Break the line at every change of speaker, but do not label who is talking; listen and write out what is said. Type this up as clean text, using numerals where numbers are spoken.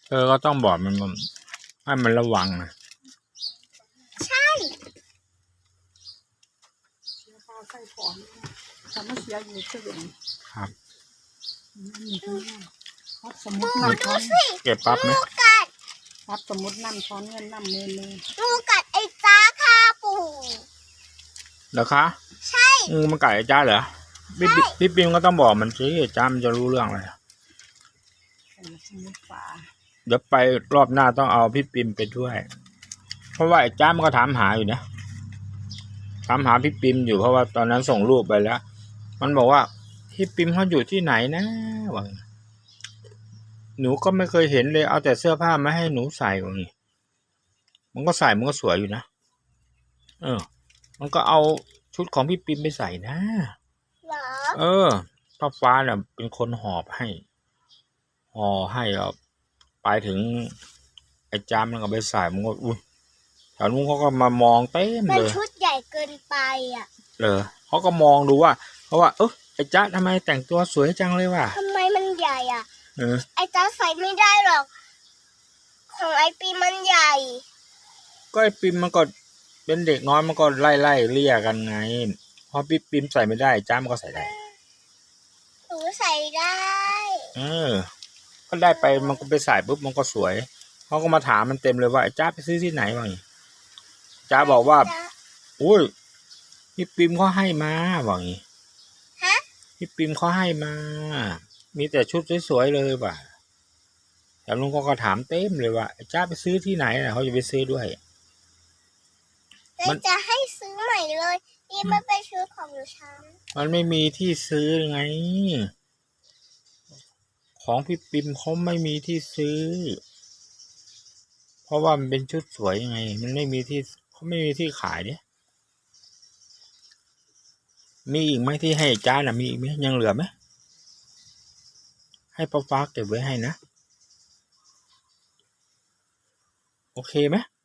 ก็ต้องบอกมันให้มันระวังนะ
ใช่
เสียปลาใส่ฝอนทำให้เสียอยู่เฉย
ครับ
พัดสมุดน้ำช้อน
เก็บปั๊บไหม
พัดสมุดน้ำช้อนเงินน้ำมือ
งูกัดไอ้จ้าค่ะปู่
เหรอคะ
ใช่
งูมันกัดไอ้จ้าเหรอพี่ปิมก็ต้องบอกมันสิไอ้จ้ามันจะรู้เรื่องอะไร
สมุดฝา
เดี๋ยวไปรอบหน้าต้องเอาพี่ปิมไปด้วยเพราะว่าไอ้จ้ามันก็ถามหาอยู่นะถามหาพี่ปิมอยู่เพราะว่าตอนนั้นส่งรูปไปแล้วมันบอกว่าพี่ปิมเขาอยู่ที่ไหนนะวะหนูก็ไม่เคยเห็นเลยเอาแต่เสื้อผ้ามาให้หนูใส่วะนี่มันก็ใส่มันก็สวยอยู่นะมันก็เอาชุดของพี่ปิมไปใส่นะ
เหรอ
ป้าฟ้าเนี่ยเป็นคนห่อให้เราไปถึงไอ้จามมันก็ไปใส่มันก็อุ้ยแถวนู้นเขาก็มามองเต็มเลย
มันชุดใหญ่เกินไปอ่ะ
เขาก็มองดูว่าเพราะว่าไอ้จ้าทำไมแต่งตัวสวยจังเลยว่ะ
ทำไมมันใหญ่อ่ะไอ้จ้าใส่ไม่ได้หรอกของไอ้ปีมันใหญ่
ก็ไอ้ปิมมันก็เป็นเด็กน้อยมันก็ไล่เลี่ยกันไงพอพี่ปิมใส่ไม่ได้จ้ามันก็ใส่ได้
หนูใส่ได้
ก็ได้ไปมันก็ไปใส่ปุ๊บมันก็สวยเขาก็มาถามมันเต็มเลยว่าไอ้จ้าไปซื้อที่ไหนวะจ้าบอกว่าอุ้ยพี่ปิมเขาให้มาบอกงี้พี่ปิมเขาให้มามีแต่ชุดสวยๆเลยว่ะแต่ลุงก็ถามเต็มเลยว่าไอ้จ้าไปซื้อที่ไหนนะเขาจะไปซื้อด้วย
มันจะให้ซื้อใหม่เลยนี่มันเป็นชุดของฉัน
มันไม่มีที่ซื้อไงของพี่ปิมเขาไม่มีที่ซื้อเพราะว่ามันเป็นชุดสวยไงมันไม่มีที่เขาไม่มีที่ขายเนี่ยมีอีกไหมที่ให้จ้าน่ะมีอีกไหมยังเหลือไหมให้ป้าฟ้าเก็บไว้ให้นะโอเคไหม